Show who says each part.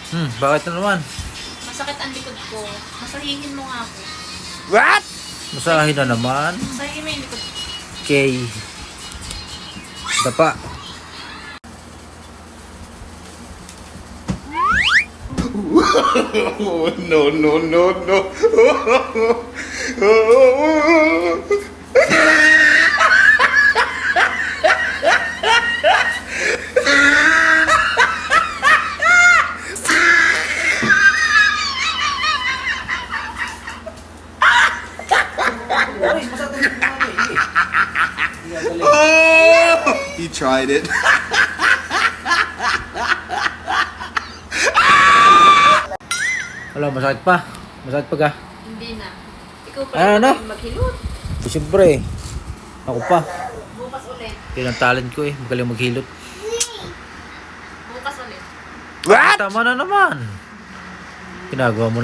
Speaker 1: Bakit na naman?
Speaker 2: Masakit ang likod ko. Masahihin mo nga ako.
Speaker 1: What? Masahin na naman.
Speaker 2: Masahihin mo yung likod ko.
Speaker 1: Okay. Dapa.
Speaker 3: No, no, no, no. He tried it.
Speaker 1: Wala, masakit pa. Masakit pa ka.
Speaker 2: Hindi na. Ikaw pa
Speaker 1: Ano?
Speaker 2: maghilot.
Speaker 1: Siyempre. Ako pa.
Speaker 2: Bukas ulit.
Speaker 1: Yun ang talent ko eh. Magaling maghilot.
Speaker 2: Bukas ulit.
Speaker 1: What? Tama na naman. Ginagawa mo